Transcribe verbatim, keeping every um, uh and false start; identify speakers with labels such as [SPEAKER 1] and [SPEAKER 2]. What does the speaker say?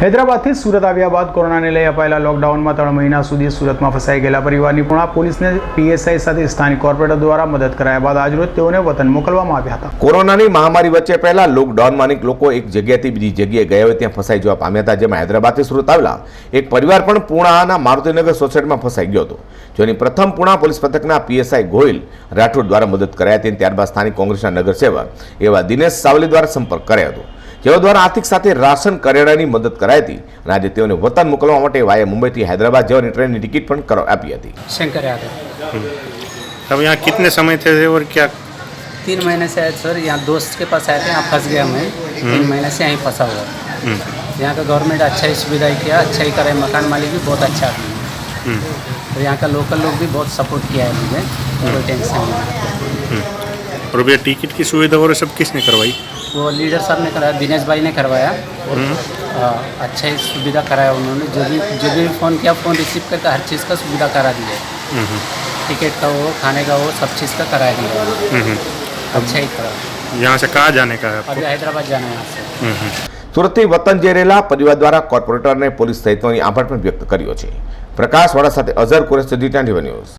[SPEAKER 1] હૈદરાબાદથી સુરત આવ્યા બાદ કોરોનાને લઈ અપાયેલા લોકડાઉનમાં ત્રણ મહિના સુધી સુરતમાં ફસાઈ ગયેલા પરિવારની પૂર્ણા પોલીસને પીએસઆઈ સાથે સ્થાનિક કોર્પોરેટર દ્વારા મદદ કરાયા બાદ આજરોજ તેઓને વતન મોકલવામાં આવ્યા હતા।
[SPEAKER 2] કોરોનાની મહામારી વચ્ચે પહેલા લોકડાઉનમાં અનેક લોકો એક જગ્યાએથી બીજી જગ્યાએ ગયા હોય ત્યાં ફસાઈ જવા પામ્યા હતા, જેમાં હૈદરાબાદથી સુરત આવેલા એક પરિવાર પણ પૂર્ણાના મારુતિનગર સોસાયટીમાં ફસાઈ ગયો હતો, જેની પ્રથમ પૂર્ણા પોલીસ પથકના પીએસઆઈ ગોહિલ રાઠોડ દ્વારા મદદ કરાઈ હતી। ત્યારબાદ સ્થાનિક કોંગ્રેસના નગરસેવક એવા દિનેશ સાવલી દ્વારા સંપર્ક કર્યો હતો, જેઓ દ્વારા આર્થિક સાથે રાશન કરિયાણાની મદદ કરાઈ હતી અને આજે તેઓને વતન મોકલવા માટે વાયા મુંબईથી हैदराबाद જવાની ટ્રેનની ટિકિટ પણ કરાવી આપી હતી।
[SPEAKER 3] शंकर यादव।
[SPEAKER 4] अब यहाँ कितने समय थे और क्या?
[SPEAKER 3] तीन महीने से आए सर, यहाँ दोस्त के पास आए थे, यहाँ फंस गया मैं। तीन महीने से यहीं फंसा हुआ। यहाँ का गवर्नमेंट अच्छा ही सुविधा किया, अच्छा ही करे, मकान मालिक भी बहुत अच्छा है और यहाँ का लोकल लोग भी बहुत सपोर्ट किया है मुझे, कोई टेंशन नहीं।
[SPEAKER 4] और भैया टिकट की सुविधा और सब किसने करवाई?
[SPEAKER 3] वो लीडर साहब ने कराया, दिनेश भाई ने करवाया और अच्छा ही सुविधा कराया उन्होंने। जो भी जो भी फ़ोन किया फ़ोन रिसीव करके हर चीज़ का सुविधा करा दिया, टिकट का हो, खाने का हो, सब चीज़ का करा दिया, अच्छा ही करा।
[SPEAKER 4] यहाँ से कहाँ जाने का है?
[SPEAKER 3] अभी हैदराबाद जाना है यहाँ से।
[SPEAKER 2] સુરતથી વતન જઈ રહેલા પરિવાર દ્વારા કોર્પોરેટરને પોલીસ સહિતની આભાર પણ વ્યક્ત કર્યો છે। પ્રકાશવાળા સાથે Azhar Kuresh, G twenty one news.